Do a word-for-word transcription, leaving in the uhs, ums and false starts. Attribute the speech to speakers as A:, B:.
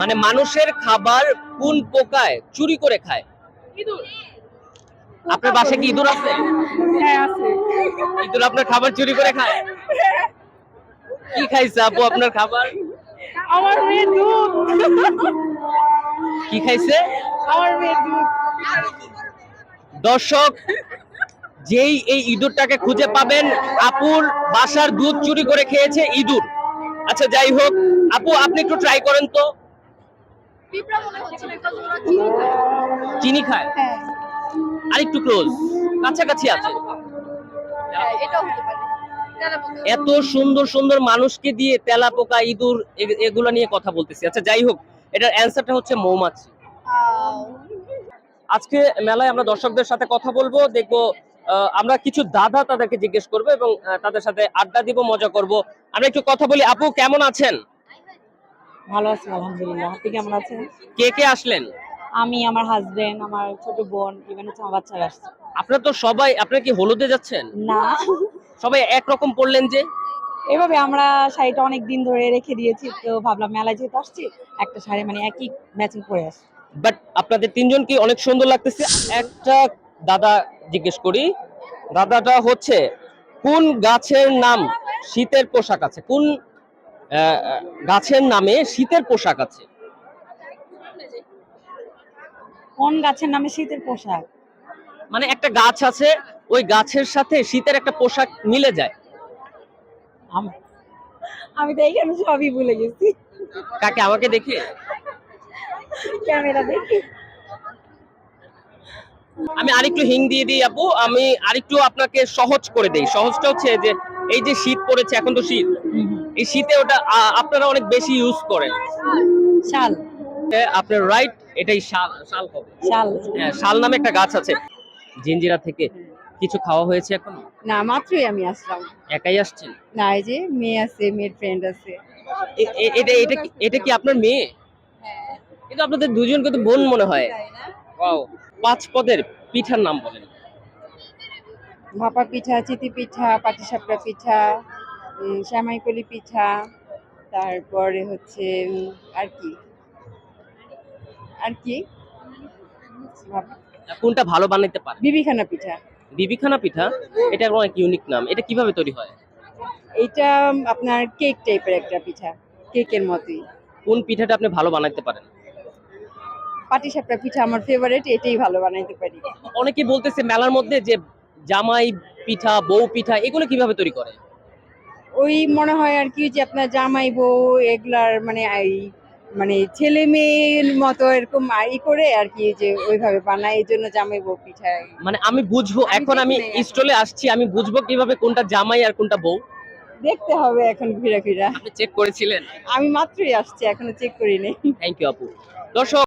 A: মানে মানুষের খাবার কোন পোকায় চুরি করে খায়?
B: ইঁদুর।
A: আপনার বাসায় কি ইঁদুর আছে?
B: হ্যাঁ আছে।
A: ইঁদুর আপনার খাবার চুরি করে খায়? কি খাইছে আপু আপনার খাবার?
B: আমার মেয়ে দুধ।
A: কি খাইছে?
B: আমার মেয়ে দুধ।
A: দর্শক, যেই এই ইঁদুরটাকে খুঁজে পাবেন, আপুর বাসার দুধ চুরি করে খেয়েছে ইঁদুর। আচ্ছা যাই হোক, আপু আপনি একটু ট্রাই করেন তো।
B: পিঁপড়া মনে হচ্ছে because ওরা চিনি খায়।
A: চিনি খায়?
B: হ্যাঁ।
A: আর একটু ক্লোজ, কাছাকাছি আছে।
B: হ্যাঁ, এটাও হতে পারে। তেলাপোকা।
A: এত সুন্দর সুন্দর মানুষকে দিয়ে তেলাপোকা, ইঁদুর এ- এগুলা নিয়ে কথা বলতেছি। আচ্ছা যাই হোক, এটার অ্যান্সারটা হচ্ছে মৌমাছি।
B: আহ,
A: আজকে মেলায় আমরা দর্শকদের সাথে কথা বলবো, দেখবো আহ, আমরা কিছু দাদা তাদেরকে জিজ্ঞেস করবো এবং আহ, তাদের সাথে আড্ডা দিব, মজা করব। আমরা একটু কথা বলি। আপু কেমন আছেন?
C: ভালো আছি আলহামদুলিল্লাহ। আপনি কেমন আছেন?
A: কে কে আসলেন?
C: আমি, আমার হাজবেন্ড, আমার ছোট বোন, ইভেন হচ্ছে আমার বাচ্চারা আসছে।
A: আপনারা তো সবাই, আপনারা কি হলুদে যাচ্ছেন?
C: না,
A: সবাই একরকম পড়লেন যে?
C: এভাবে আমরা শাড়িটা অনেক দিন ধরে রেখে দিয়েছি, তো ভাবলাম মেলায় যেহেতু আসছি একটা শাড়ি মানে একই ম্যাচিং পরে আসি।
A: বাট আপনাদের তিনজন কি অনেক সুন্দর লাগতেছে। একটা দাদা জিজ্ঞেস করি, দাদাটা হচ্ছে কোন গাছের নাম শীতের পোশাক আছে? কোন আহ, গাছের নামে শীতের পোশাক আছে?
C: কোন গাছের নামে শীতের পোশাক?
A: মানে একটা গাছ আছে, ওই গাছের সাথে শীতের একটা পোশাক মিলে যায়।
C: আম- আমি তো এইখানে সবই ভুলে গেছি,
A: কাকে? আমাকে দেখে?
C: ক্যামেরা দেখি।
A: আমি আরেকটু হিং দিয়ে দিই আপু, আমি আরেকটু আপনাকে সহজ করে দেই। সহজটা হচ্ছে যে এই যে শীত পড়েছে, এখন তো শীত, এই শীতে ওটা আ- আপনারা অনেক বেশি ইউজ করেন।
C: শাল।
A: আপনার রাইট, এটাই শাল। শাল হবে।
C: শাল।
A: হ্যাঁ, শাল নামে একটা গাছ আছে। জিঞ্জিরা থেকে কিছু খাওয়া হয়েছে এখন?
B: না মাত্রই আমি আসলাম।
A: একাই আসছেন?
B: না এই যে মেয়ে আছে, মেয়ের ফ্রেন্ড আছে।
A: এ- এ- এটা এটা কি এটা কি আপনার মেয়ে?
B: হ্যাঁ।
A: কিন্তু আপনাদের দুজনকে তো বোন মনে হয়।
B: তাই না?
A: ওয়াও। পাঁচ পদের পিঠার নাম বলেন।
B: ভাপা পিঠা, চিতি পিঠা, পাটিসাপটা পিঠা, উম, সেমাইকলি পিঠা, তারপরে হচ্ছে উম, আর কি আর কি ভাপ-
A: কোনটা ভালো বানাইতে পারে?
B: বিবিখানা পিঠা।
A: বিবিখানা পিঠা? এটা অনেক ইউনিক নাম। এটা কিভাবে তৈরি হয়?
B: এইটা আপনার কেক টাইপের একটা পিঠা, কেকের মতোই।
A: কোন পিঠাটা আপনি ভালো বানাইতে পারেন?
B: পাটিসাপটা পিঠা আমার ফেভারিট, এটাই ভালো বানাইতে পারি।
A: অনেকে বলতেছে মেলার মধ্যে যে জামাই পিঠা, বউ পিঠা, এগুলো কিভাবে তৈরি করে?
B: ওই মনে হয় আর কি যে আপনার জামাই বউ এগুলার মানে এই মানে ছেলে মেয়ের মতো এরকম ই করে আর কি, যে ওইভাবে বানায়, এই জন্য জামাই বউ পিঠা।
A: মানে আমি বুঝবো,
B: আমি
A: এখন
B: দেখি
A: আমি
B: নাই এখন।
A: স্টলে আসছি, আমি বুঝবো কিভাবে কোনটা জামাই আর কোনটা বউ?
B: দেখতে হবে এখন ঘুরে ফিরা।
A: আপনি চেক করেছিলেন?
B: আমি মাত্রই আসছি, এখনো চেক করি নাই।
A: থ্যাংক ইউ আপু। দর্শক,